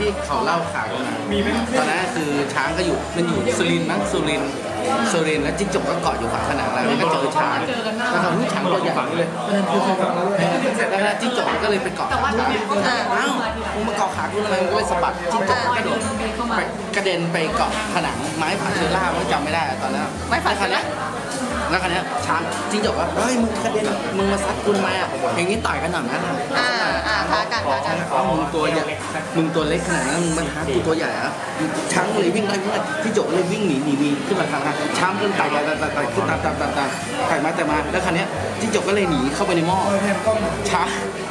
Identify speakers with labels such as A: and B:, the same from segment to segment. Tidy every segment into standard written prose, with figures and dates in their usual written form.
A: เขาเล่าข่าวกันมาตอนนั้นคือช้างก็อยู่มันอยู่สุรินทร์มั้งสุรินทร์แล้วจิ้งจกก็เกาะอยู่ฝาผนังแล้วก็เจอช้างแล้วเขาช้างตัวใหญ่เลยแล้วจิ้งจกก็เลยไปเกาะขาอ้าวมึงมาเกาะขากูทำไมมึงก็เลยสะบัดจิ้งจกก็โดดไปกระเด็นไปเกาะผนังไม้ผาเชอร่าไม่จำไม่ได้ตอนนั้นไม้ผาเชอร่าแล้วคราวนี้ช้างจิ้งจกว่าเฮ้ยมึงกระเด็นมึงมาซัดกูทำไมอ่ะเพลงนี้ต่อยกันหน่อยนะ
B: ท้ากัน
A: มึงตัวใหญ่มึงตัวเล็กขนาดนั้นมึงมาท้ากูตัวใหญ่อะช้างเลยวิ่งไล่จิ้งจกเลยวิ่งหนีขึ้นมาทางช้างก็ไต่ขึ้นตามไต่มาแล้วคราวนี้จิ้งจกก็เลยหนีเข้าไปในหม้อช้าง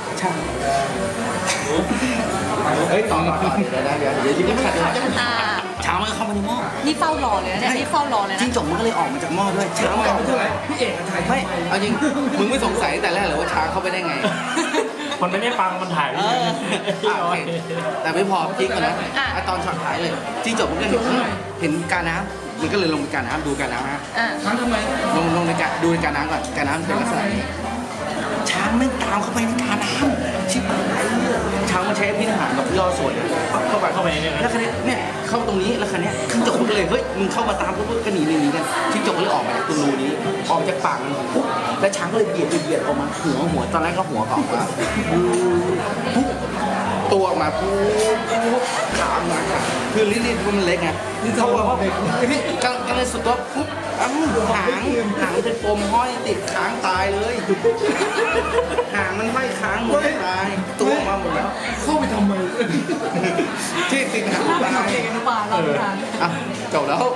A: เฮ้ยต่อเดี๋ยวยิ้มขัดเลยช้างมันเข้ามาในหม้อ
B: นี่เฝ้ารอเลยนะนี่เฝ้ารอเลยนะ
A: จิ้งจกมันก็เลยออกมาจากหม้อด้วยช้างมันพี่เอกไม่เอาจริงมึงไม่สงสัยแต่แรกเหรอว่าช้างเข้าไปได้ไง
C: มันไม่ได้ฟังมันถ่าย
A: แต่ไม่พอจริงกันนะตอนช็อตท้ายเลยจิ้งจกมันก็เห็นการน้ำมันก็เลยลงไปการน้ำดูการน้ำฮะช้างทำไมลงในการดูในการน้ำก่อนการน้ำเป็นลักษณะนี้ช้างไม่ตามเข้าไปในการน้ำชิบหายช้างมันใช้พิษหารแบบย่อส่วนเข้าไปแล้วคันนี้เนี่ยเข้าตรงนี้แล้วคันนี้จิ้งจกมันก็เลยเฮ้ยมึงเข้ามาตามปุ๊บก็หนีกันจิ้งจกก็เลยออกมาจากตรงรูนี้ออกจากปากมันปุ๊บแล้วช้างก็เลยเบียดออกมาหัวตอนแรกก็หัวออกมาปุ๊บตัวออกมาปุ๊บขามาคือลิ้นมันเล็กไงเขาบอกว่าก็เลยสุดตัวปุ๊บหางเป็นปมห้อยติดค้างตายเลยหางมันห้อยค้างหมดตายตัวมาหมดแล้ว
D: เข้าไปทำไม
A: ที่ติดหางตายจบแล้ว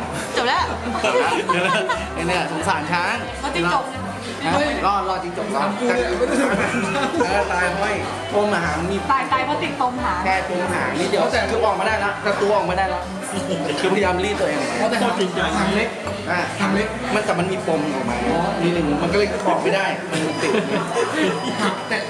A: เนี่ยสงสารช้างรอจริงจบแล้วตายห้อยปมหางมี
B: ตายเพราะติดปมหาง
A: แค่ปมหางนี่เดี๋ยวคือออกมาได้แล้วกระตัวออกมาได้แล้วคือพยายามรีดตัวเอง
D: แต่จริงจังทำเล็ก
A: มันแต่มันมีปมออกมานิดนึงมันก็เลยออกไม่ได้มันติด
D: แต่